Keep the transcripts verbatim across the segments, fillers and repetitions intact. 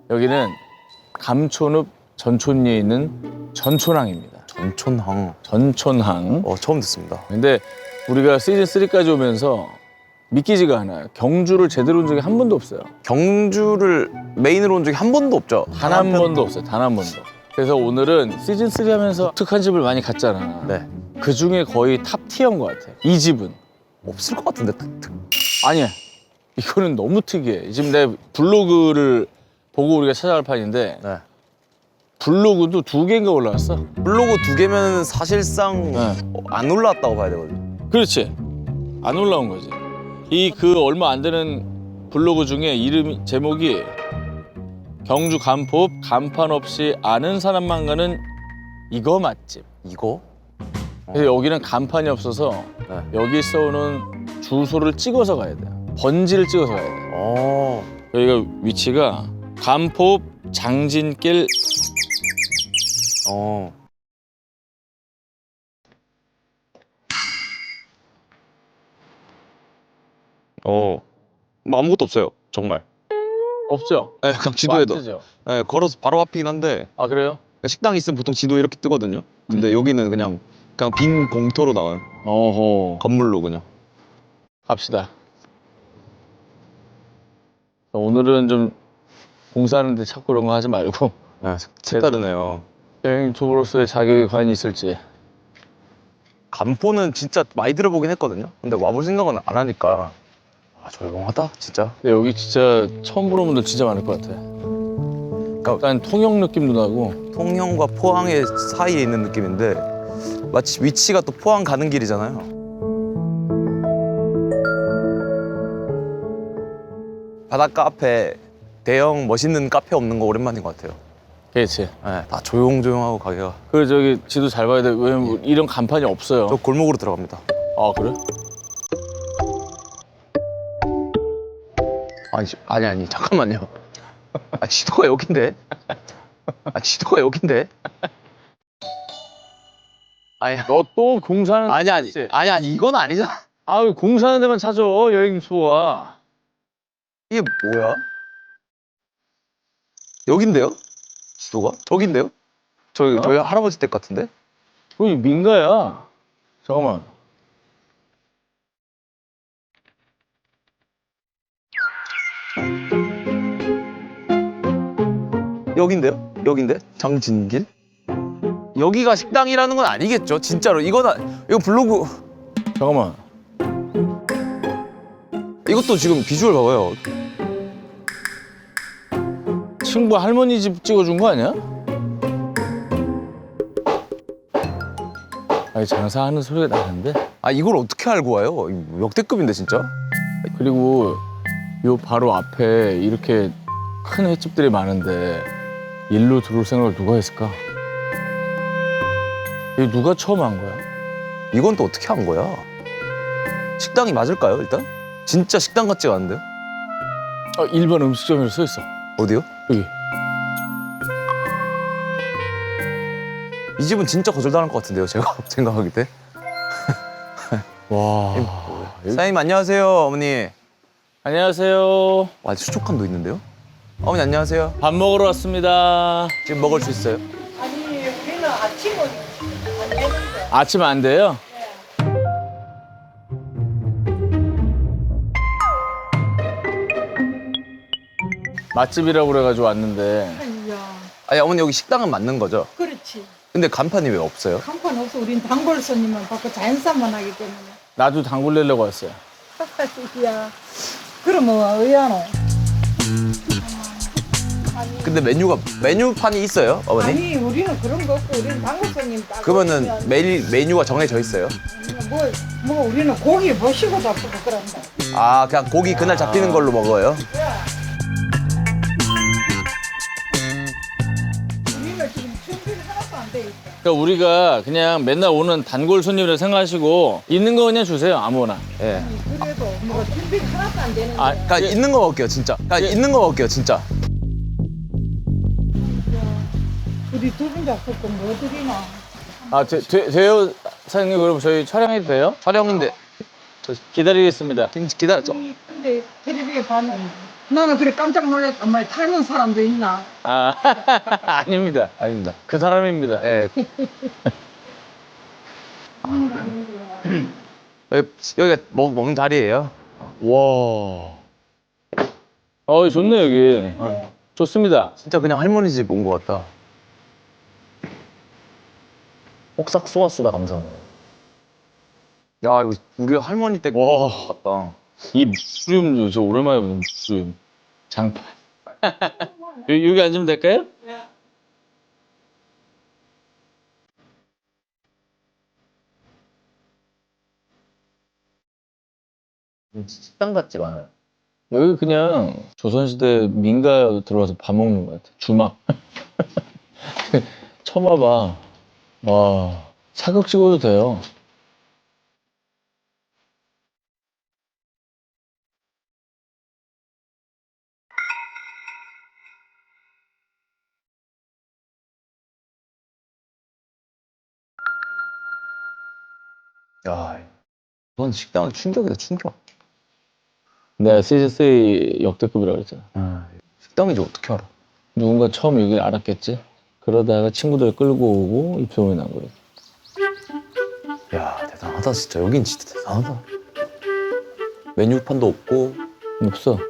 여기는 감촌읍 전촌리에 있는 전촌항입니다. 전촌항. 전촌항. 어, 처음 듣습니다. 근데 우리가 시즌 쓰리까지 오면서 믿기지가 않아요. 경주를 제대로 온 적이 한 번도 없어요. 경주를 메인으로 온 적이 한 번도 없죠. 단 한 번도 없어요. 단 한 번도. 그래서 오늘은 시즌 쓰리 하면서 특한 집을 많이 갔잖아. 네. 그 중에 거의 탑 티어인 것 같아. 이 집은. 없을 것 같은데. 특, 특. 아니야. 이거는 너무 특이해. 지금 내 블로그를 보고 우리가 찾아갈 판인데 네. 블로그도 두 개인가 올라왔어. 블로그 두 개면 사실상 네. 어, 안 올라왔다고 봐야 되거든요. 그렇지. 안 올라온 거지. 이 그 얼마 안 되는 블로그 중에 이름 제목이 경주 간포읍 간판 없이 아는 사람만 가는 이거 맛집. 이거? 그래서 여기는 간판이 없어서 네. 여기 써오는 주소를 찍어서 가야 돼요. 번지를 찍어서 가야 돼요. 어. 여기가 위치가 간포읍 장진길. 어. 어, 뭐 아무것도 없어요. 정말. 없죠? 네, 그냥 지도에도. 마트죠? 네, 걸어서 바로 앞이긴 한데 아 그래요? 식당 있으면 보통 지도 이렇게 뜨거든요. 근데 여기는 그냥 그냥 빈 공터로 나와요. 어허. 건물로 그냥. 갑시다. 오늘은 좀 공사하는데 자꾸 그런 거 하지 말고 네, 색다르네요. 여행 투어로서의 자격이 과연 있을지. 간포는 진짜 많이 들어보긴 했거든요. 근데 와볼 생각은 안 하니까 아, 조용하다 진짜. 근데 여기 진짜 처음 보는 분들 진짜 많을 것 같아. 약간 통영 느낌도 나고. 통영과 포항의 사이에 있는 느낌인데 마치 위치가 또 포항 가는 길이잖아요. 바닷가 앞에 대형 멋있는 카페 없는 거 오랜만인 것 같아요. 그렇지. 네, 다 조용조용하고 가게가. 그 저기 지도 잘 봐야 돼. 왜냐면 이런 간판이 없어요. 저 골목으로 들어갑니다. 아 그래? 아니 아니 아니 잠깐만요. 아 지도가 여긴데. 아 지도가 여긴데. 아니 너 또 공사하는 아니 아니 그치? 아니 아니 이건 아니잖아. 아유 공사하는 데만 찾아 여행 투어가. 이게 뭐야? 여긴데요? 지도가? 저긴데요? 저희 어? 저희 할아버지 댁 같은데? 거기 민가야. 잠깐만. 여긴데요? 여긴데? 장진길? 여기가 식당이라는 건 아니겠죠? 진짜로 이거는 이거 블로그 잠깐만. 이것도 지금 비주얼 봐봐요. 친구 할머니 집 찍어준 거 아니야? 아니 장사하는 소리가 나는데. 아 이걸 어떻게 알고 와요? 이거 역대급인데 진짜? 그리고 요 바로 앞에 이렇게 큰 횟집들이 많은데 일로 들어올 생각을 누가 했을까? 이거 누가 처음 한 거야? 이건 또 어떻게 한 거야? 식당이 맞을까요 일단? 진짜 식당 같지가 않은데요? 어, 일반 음식점이라고 써 있어. 어디요? 여기. 이 집은 진짜 거절당할 것 같은데요 제가 생각하기 때. 와. 여기- 사장님 안녕하세요 어머니. 안녕하세요. 와 수족관도 있는데요? 어머니 안녕하세요. 밥 먹으러 왔습니다. 지금 먹을 수 있어요? 아니 우리는 아침은 안 되는데 아침 안 돼요? 맛집이라고 그래가지고 왔는데 아니야 아니 어머니 여기 식당은 맞는 거죠? 그렇지 근데 간판이 왜 없어요? 간판 없어 우린 단골 손님만 받고 자연산만 하기 때문에 나도 단골 내려고 왔어요. 야 그럼 뭐 의아노 근데 메뉴가 메뉴판이 있어요 어머니? 아니 우리는 그런 거 없고 우리는 단골 손님 딱 그러면은 오시면 매일 메뉴가 정해져 있어요? 뭐, 뭐 우리는 고기 모시고 잡고 그런다 아 그냥 고기 그날 잡히는 걸로 먹어요? 우리는 지금 준비를 하나도 안 돼 있어 그러니까 우리가 그냥 맨날 오는 단골 손님이라 생각하시고 있는 거 그냥 주세요 아무거나. 예. 그래도 뭐 준비가 하나도 안 되는 아, 거야 그냥 예. 있는 거 먹을게요 진짜. 그냥 예. 있는 거 먹을게요 진짜. 우리 두 분 잡고 뭐 드리나 아 되, 되, 돼요 사장님 그럼 저희 촬영해도 돼요? 촬영인데 저 기다리겠습니다. 기다려. 이- 근데 텔레비에 봤는 나는 그래 깜짝 놀랐다. 엄마 닮은 사람도 있나? 아 아닙니다. 아닙니다. 그 사람입니다. 예. 여기, 여기가 먹, 먹는 자리예요. 와. 어 좋네 여기. 좋습니다. 진짜 그냥 할머니 집 온 것 같다. 옥삭 소화수다 감성. 야 이거 우리 할머니 댁 와. 같다. 이 무수림도 저 오랜만에 보는 무수림. 장판. 여기, 여기 앉으면 될까요? 식당 같지 않아요? 여기 그냥 조선시대 민가 들어와서 밥 먹는 것 같아. 주막. 처음 와봐. 와, 사극 찍어도 돼요. 야, 이건 식당은 충격이다 충격. 내가 씨지쓰리 역대급이라고 그랬잖아. 아, 식당인지 어떻게 알아? 누군가 처음 여기를 알았겠지? 그러다가 친구들 끌고 오고 입소문이 난 거지. 야 대단하다 진짜. 여긴 진짜 대단하다. 메뉴판도 없고. 없어.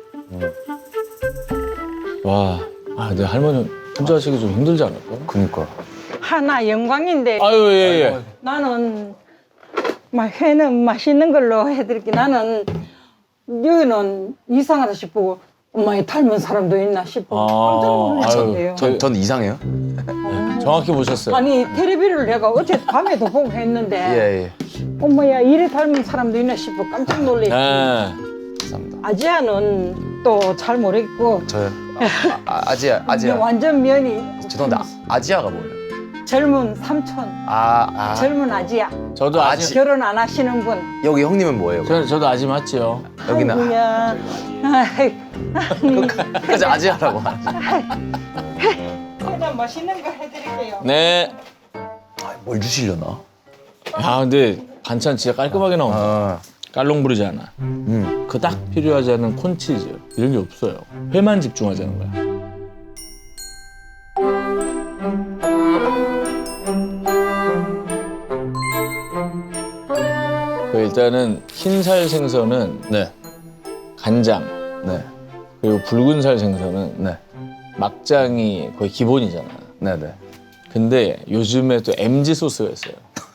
와, 아, 내 할머니 혼자 하시기 좀 힘들지 않을까? 그니까. 하나 영광인데 아유, 예, 예. 나는 막 회는 맛있는 걸로 해드릴게. 나는 여기는 이상하다 싶고 엄마의 닮은 사람도 있나 싶고 아, 깜짝 놀랐는데요. 전, 전 이상해요? 정확히 보셨어요. 아니 텔레비를 내가 어제 밤에도 보고 했는데 예예. 엄마야 이래 닮은 사람도 있나 싶어 깜짝 놀랐지. 네. 감사합니다. 아지아는 또 잘 모르겠고 저요. 아, 아, 아지아 아지아. 완전 면이 죄송한데 아, 아지아가 뭐예요? 젊은 삼촌, 아, 아. 젊은 아지아. 저도 아직 아직- 결혼 안 하시는 분. 여기 형님은 뭐예요? 저, 저도 아직 맞지요. 여기는 아, 아이고야. 아이, 끝까지 아지아라고 하지. 그냥 맛있는 거 해드릴게요. 네. 아, 뭘 주시려나? 야, 근데 반찬 진짜 깔끔하게 나온다. 아, 깔롱 부리지 않아. 음. 그 딱 필요하지 않은 콘치즈 이런 게 없어요. 회만 집중하자는 거야. 그 일단은 흰살 생선은 네, 간장, 네, 그리고 붉은살 생선은 네, 막장이 거의 기본이잖아. 네, 네. 근데 요즘에 또 엠지 소스가 있어요.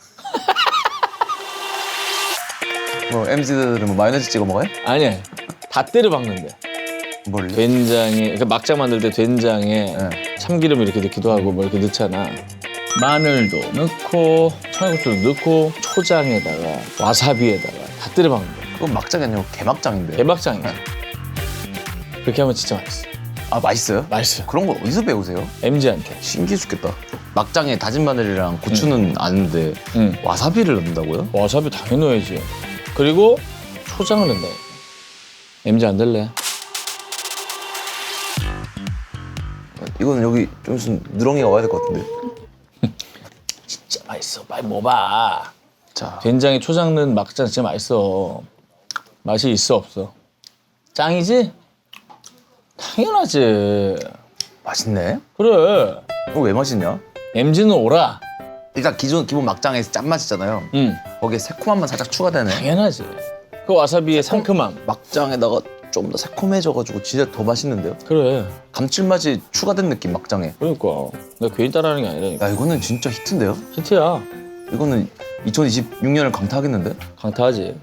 뭐 엠지들은 뭐 마요네즈 찍어 먹어요? 아니, 다 때려 박는데. 뭘요? 된장에, 그러니까 막장 만들 때 된장에 네. 참기름 이렇게 넣기도 하고 뭐 이렇게 넣잖아. 마늘도 넣고 청양고추도 넣고 초장에다가 와사비에다가 다 때려 박는 거야. 그건 막장이 아니고 개막장인데. 대박장이야. 그렇게 하면 진짜 맛있어. 아 맛있어요? 맛있어요. 그런 걸 어디서 배우세요? 엠지한테. 신기해 죽겠다. 막장에 다진 마늘이랑 고추는 아는데 응. 와사비를 넣는다고요? 와사비 당연히 넣어야지. 그리고 초장을 넣는다. 엠지 안 될래? 이거는 여기 좀 있으면 누렁이가 와야 될 것 같은데. 진짜 맛있어. 빨리 먹어봐. 자, 된장에 초장 넣은 막장 진짜 맛있어. 맛이 있어 없어? 짱이지? 당연하지. 맛있네. 그래. 이거 왜 맛있냐? 엠지는 오라. 일단 기존 기본 막장에서 짠맛이잖아요. 응. 거기에 새콤한 맛 살짝 추가되네. 당연하지. 그 와사비의 상큼함. 막장에다가 좀 더 새콤해져가지고 진짜 더 맛있는데요? 그래. 감칠맛이 추가된 느낌 막장에. 그러니까. 내가 괜히 따라하는 게 아니라니까. 야 이거는 진짜 히트인데요? 히트야. 이거는 이천이십육 년을 강타하겠는데? 강타하지.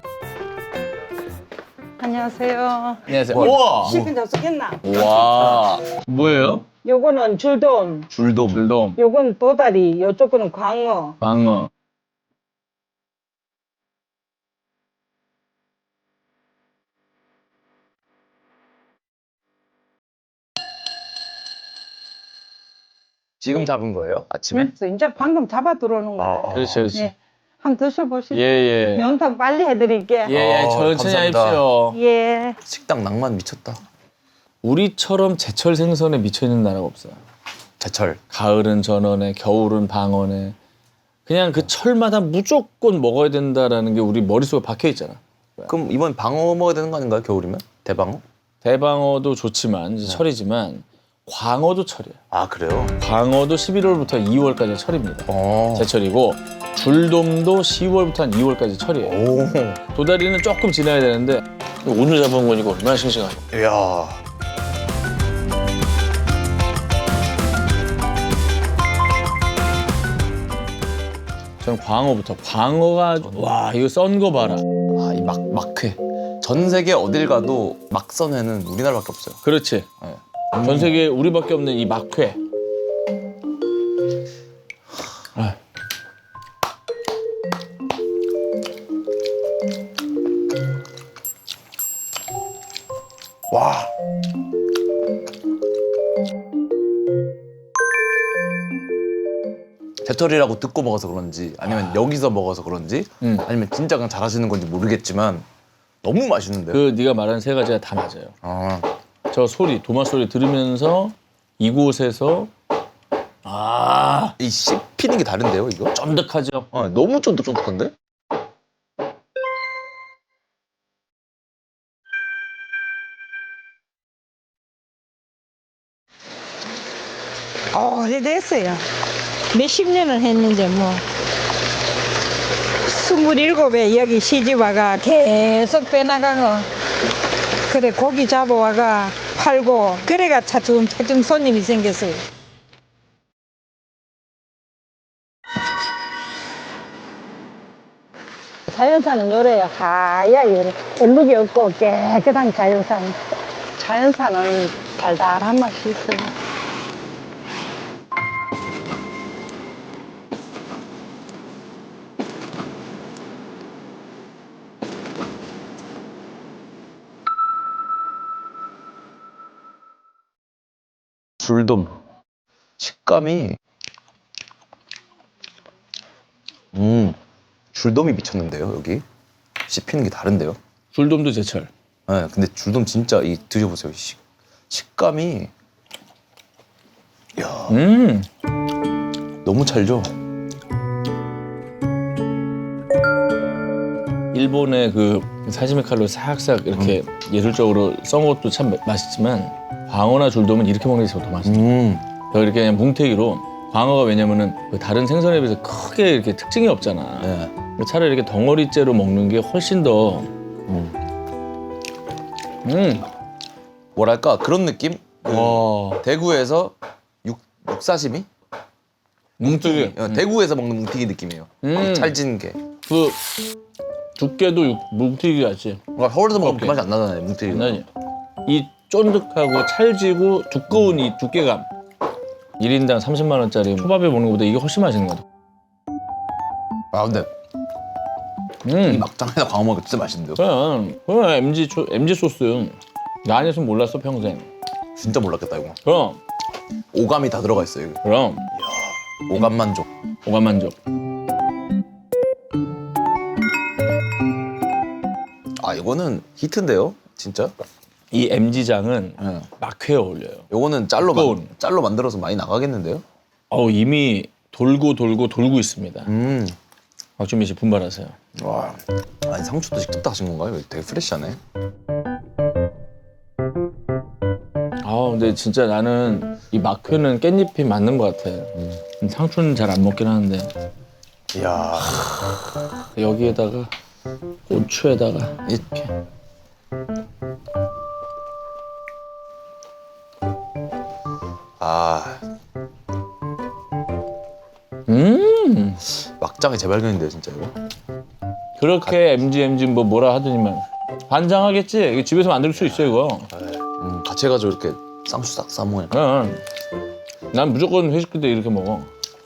안녕하세요. 안녕하세요. 뭐, 우와. 식은 접수겠나? 와. 뭐예요? 요거는 줄돔, 줄돔. 불돔. 요건 도다리, 요쪽 거는 광어. 방어. 지금 잡은 거예요? 아침에? 그래서 이제 방금 잡아 들어오는 거예요. 아, 그렇지, 그렇지. 네. 한번 드셔보시죠. 예, 예. 면탕 빨리 해드릴게. 예, 예. 어, 천천히 감사합니다. 하십시오. 예. 식당 낭만 미쳤다. 우리처럼 제철 생선에 미쳐있는 나라가 없어요. 제철. 가을은 전어네, 겨울은 방어네. 그냥 그 철마다 무조건 먹어야 된다라는 게 우리 머릿속에 박혀 있잖아. 그럼 이번 방어 먹어야 되는 거 아닌가요? 겨울이면? 대방어? 대방어도 좋지만 이제 철이지만 광어도 철이에요. 아 그래요? 광어도 십일월부터 이월까지 철입니다. 어. 제철이고 줄돔도 시월부터 한 이월까지 철이에요. 오. 도다리는 조금 지나야 되는데 오늘 잡은 거니까 얼마나 싱싱하고. 이야. 저는 광어부터. 광어가 와 이거 썬 거 봐라. 아, 이 막, 막회. 전 세계 어딜 가도 막선회는 우리나라밖에 없어요. 그렇지. 네. 전 세계에 우리밖에 없는 이 막회. 아. 와. 제철이라고 듣고 먹어서 그런지 아니면 여기서 먹어서 그런지 음. 아니면 진짜 그냥 잘하시는 건지 모르겠지만 너무 맛있는데요? 그 네가 말한 세 가지가 다 맞아요. 아, 저 소리, 도마 소리 들으면서 이곳에서 아 이 씹히는 게 다른데요, 이거? 쫀득하죠. 아, 너무 쫀득쫀득한데? 어, 오래됐어요. 몇십 년을 했는데 뭐 스물일곱에 여기 시집 와가 계속 빼나가고 그래 고기 잡아와가 팔고 그래가 차츰차츰 손님이 생겼어요. 자연산은 요래요. 하얗게 요래. 얼룩이 없고 깨끗한 자연산. 자연산은 달달한 맛이 있어요. 줄돔. 식감이 음, 줄돔이 미쳤는데요, 여기? 씹히는 게 다른데요? 줄돔도 제철. 네, 근데 줄돔 진짜 이 드셔보세요. 식, 식감이 야 음. 너무 찰죠? 일본의 그 사시미 칼로 싹싹 이렇게 예술적으로 썬 것도 참 맛있지만 광어나 줄돔은 이렇게 먹는 게 더 맛있어요. 음, 그러니까 이렇게 그냥 뭉태기로 광어가 왜냐면은 그 다른 생선에 비해서 크게 이렇게 특징이 없잖아. 네. 차라리 이렇게 덩어리째로 먹는 게 훨씬 더 음. 음. 뭐랄까 그런 느낌? 그 와. 대구에서 육, 육사시미? 뭉태기. 어, 대구에서 먹는 뭉티기 느낌이에요. 음. 이 찰진 게. 그 두께도 육- 뭉태기 같지. 그러니까 서울에서 먹으면 그 오케이. 맛이 안 나잖아요, 뭉티기가. 장난이야. 이 쫀득하고 찰지고 두꺼운 이 두께감. 일 인당 삼십만 원짜리 초밥에 먹는 것보다 이게 훨씬 맛있는 것 같아. 아 근데 이 음. 막장에다 광어 먹으면 진짜 맛있는데요? 그냥 그냥 엠지 초, 엠지 소스. 나 아니었으면 몰랐어 평생. 진짜 몰랐겠다 이거. 그럼 오감이 다 들어가 있어요. 이거. 그럼 오감 만족. 오감만족. 아 이거는 히트인데요, 진짜? 이 엠지장은 네. 막회에 어울려요. 요거는 짤로 만, 두꺼운. 짤로 만들어서 많이 나가겠는데요? 어우 이미 돌고 돌고 돌고 있습니다. 음. 박준민 씨 분발하세요. 와. 아니 상추도 직접 따신 건가요? 이거 되게 프레시하네. 아 근데 진짜 나는 이 막회는 깻잎이 맞는 것 같아. 상추는 잘 안 먹긴 하는데 이야. 여기에다가 고추에다가 이렇게. 아 음 막장의 재발견인데요, 진짜 이거. 그렇게 엠지 엠지 뭐 뭐라 하더니만 반장하겠지. 이거 집에서 만들 수 있어 이거. 음, 같이 해가지고 이렇게 쌍수 싹 싸먹으니까. 그냥 난 무조건 회식 때 이렇게 먹어.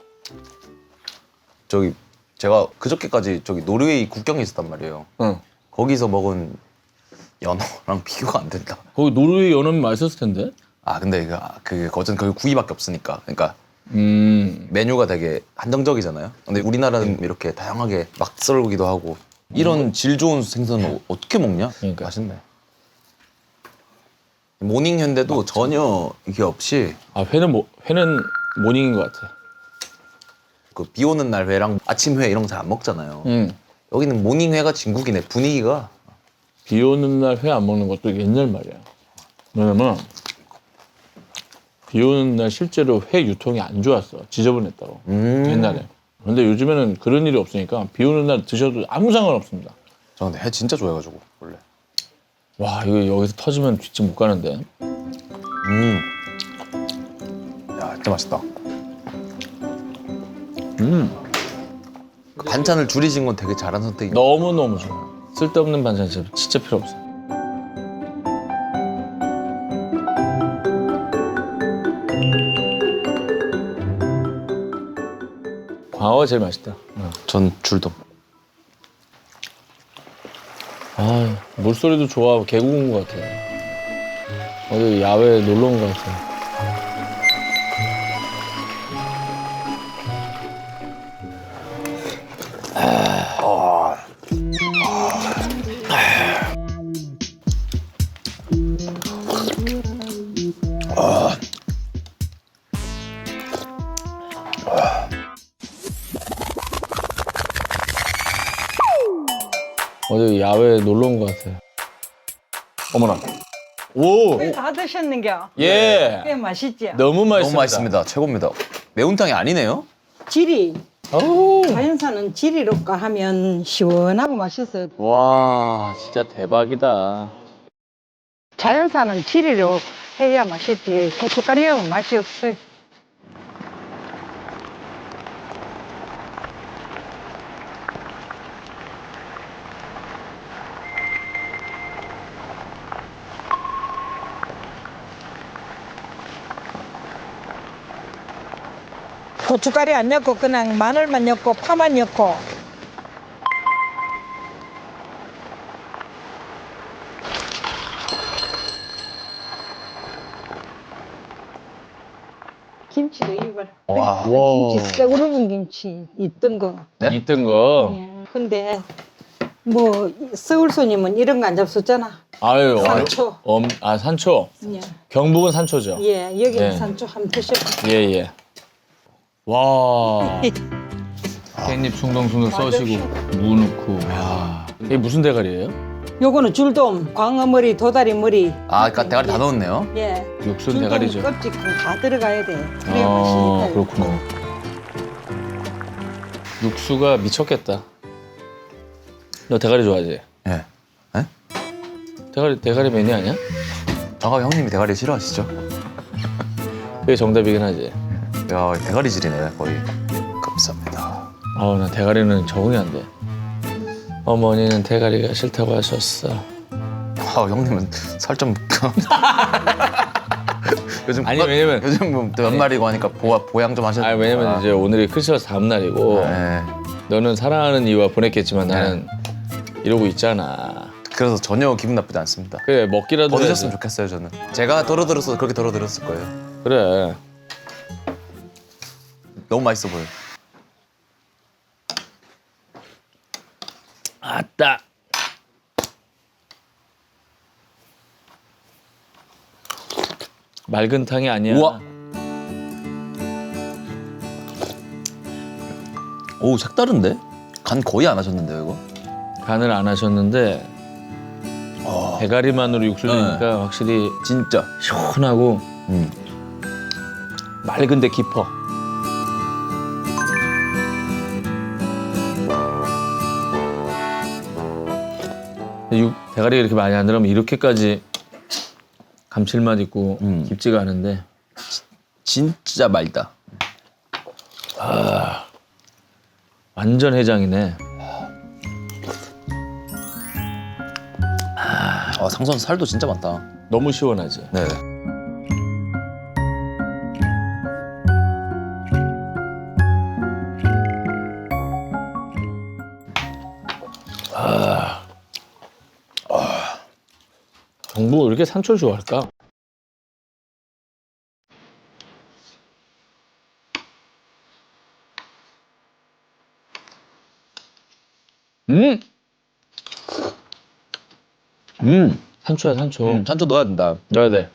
저기 제가 그저께까지 저기 노르웨이 국경에 있었단 말이에요. 응. 거기서 먹은 연어랑 비교가 안 된다. 거기 노르웨이 연어면 맛있었을 텐데. 아 근데 이거 그 거전 거기 구이밖에 없으니까. 그러니까 음. 메뉴가 되게 한정적이잖아요. 근데 우리나라는 이렇게 다양하게 막 썰기도 하고 이런 질 좋은 생선을 어떻게 먹냐? 그러니까. 맛있네. 모닝 현대도 전혀 이게 없이 아 회는 뭐 회는 모닝인 것 같아. 그 비 오는 날 회랑 아침 회 이런 거 잘 안 먹잖아요. 응. 여기는 모닝 회가 진국이네. 분위기가 비 오는 날 회 안 먹는 것도 옛날 말이야. 왜냐면 비 오는 날 실제로 회 유통이 안 좋았어. 지저분했다고. 음. 옛날에. 근데 요즘에는 그런 일이 없으니까 비 오는 날 드셔도 아무 상관없습니다. 저 근데 회 진짜 좋아해가지고 원래. 와, 이거 여기서 터지면 뒷집 못 가는데. 음. 야, 진짜 맛있다. 음. 그 반찬을 줄이신 건 되게 잘한 선택이에요. 너무너무 좋아. 쓸데없는 반찬 진짜, 진짜 필요 없어. 광어가 제일 맛있다. 어. 전 줄돔. 아, 물소리도 좋아. 계곡 온 것 같아. 어디 야외에 놀러 온 것 같아. 어디 야외에 놀러 온 것 같아. 어머나. 오! 회 다 드셨는겨? 예! 꽤 맛있지? 너무 맛있습니다. 너무 맛있습니다. 최고입니다. 매운탕이 아니네요? 지리. 어우. 자연산은 지리로까 하면 시원하고 맛있어요. 와, 진짜 대박이다. 자연산은 지리로 해야 맛있지. 고춧가루하면 맛이 없어요. 고춧가루 안 넣고 그냥 마늘만 넣고 파만 넣고 김치도 이거라. 와. 김치 쇠고르는 김치 있던 거. 네? 있던 거. 예. 근데 뭐 서울 손님은 이런 거 안 잡수잖아. 아유, 산초. 엄, 아, 산초. 예. 경북은 산초죠. 예, 여기는 예. 산초 한번 드셔봐. 예, 예. 와. 깻잎 숭덩숭덩 써시고, 무 넣고. 와. 이게 무슨 대가리예요? 요거는 줄돔, 광어머리, 도다리머리. 아, 그러니까 대가리 다 넣었네요. 예. 육수는 줄돔 대가리죠. 껍질 다 들어가야 돼. 그래야 아, 맛있니까. 그렇구나. 육수가 미쳤겠다. 너 대가리 좋아하지? 예. 예? 대가리, 대가리 매니 아니야? 정확히 형님이 대가리 싫어하시죠? 그게 정답이긴 하지. 야, 대가리질이네 거의. 감사합니다. 아우, 나 대가리는 적응이 안 돼. 어머니는 대가리가 싫다고 하셨어. 아, 형님은 살 좀. 요즘 아니, 그거- 왜냐면- 요즘 뭐 연말이고 하니까 보아, 보양 좀 하셔야 아, 왜냐면 이제 오늘이 크리스마스 다음 날이고, 네. 너는 사랑하는 이유와 보냈겠지만 나는 이러고 있잖아. 그래서 전혀 기분 나쁘지 않습니다. 그래, 먹기라도 더 드셨으면 해야지. 좋겠어요 저는. 제가 덜어들었어도 그렇게 덜어들었을 거예요. 그래. 너무 맛있어 보여. 아따. 맑은 탕이 아니야. 우와. 오, 색다른데? 간 거의 안 하셨는데요 이거? 간을 안 하셨는데 대가리만으로 육수 내니까 확실히 진짜. 시원하고 음. 맑은데 깊어. 육, 대가리가 이렇게 많이 안 들어가면 이렇게까지 감칠맛 있고 음. 깊지가 않은데 진짜 맑다. 완전 해장이네. 아, 상선 살도 진짜 많다. 너무 시원하지. 네. 경북 왜 이렇게 산초를 좋아할까? 음! 음! 산초야, 산초. 음, 산초 넣어야 된다. 넣어야 돼.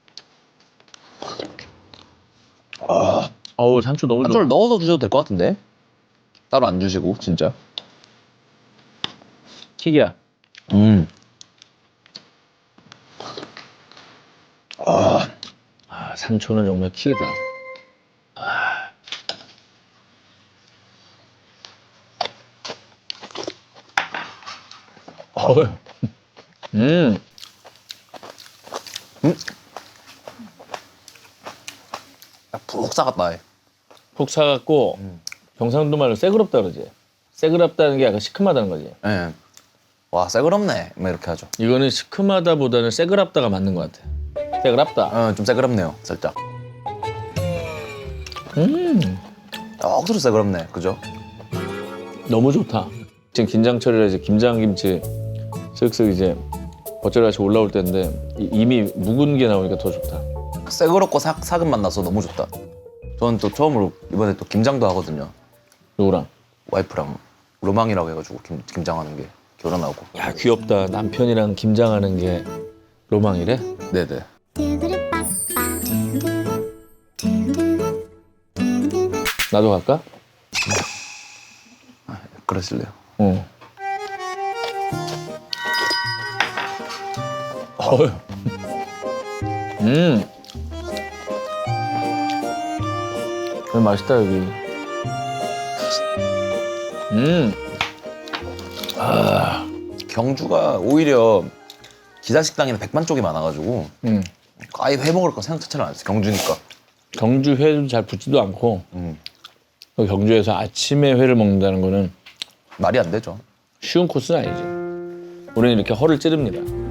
어우, 산초 너무 좋아. 산초를 넣어서 드셔도 될 것 같은데? 따로 안 주시고 진짜. 킥이야. 음. 삼촌은 정말 키다. 아. 어우. 음. 푹 싸갔다. 푹 사갖고 경상도 말로 새그럽다 그러지. 새그럽다는 게 약간 시큼하다는 거지. 예. 와, 새그럽네. 뭐 이렇게 하죠. 이거는 시큼하다보다는 새그럽다가 맞는 것 같아. 새그럽다. 어, 좀 새그럽네요. 살짝. 음. 억수로 새그럽네. 그죠? 너무 좋다. 지금 김장철이라 이제 김장김치 쓱쓱 이제 겉절같이 올라올 때인데 이- 이미 묵은 게 나오니까 더 좋다. 새그럽고 사, 사근 만나서 너무 좋다. 저는 또 처음으로 이번에 또 김장도 하거든요. 누구랑? 와이프랑 로망이라고 해가지고 김, 김장하는 게 결혼하고. 야 귀엽다. 남편이랑 김장하는 게 로망이래? 네네. 나도 갈까? 그러실래요? 어. 어휴. 음. 여기 맛있다 여기. 음. 경주가 오히려 기사식당이나 백반 쪽이 많아가지고 음. 아예 회 먹을 거 생각 자체는 안 했어. 경주니까. 경주 회도 잘 붙지도 않고 음. 또 경주에서 아침에 회를 먹는다는 거는 말이 안 되죠. 쉬운 코스는 아니지. 우리는 이렇게 허를 찌릅니다.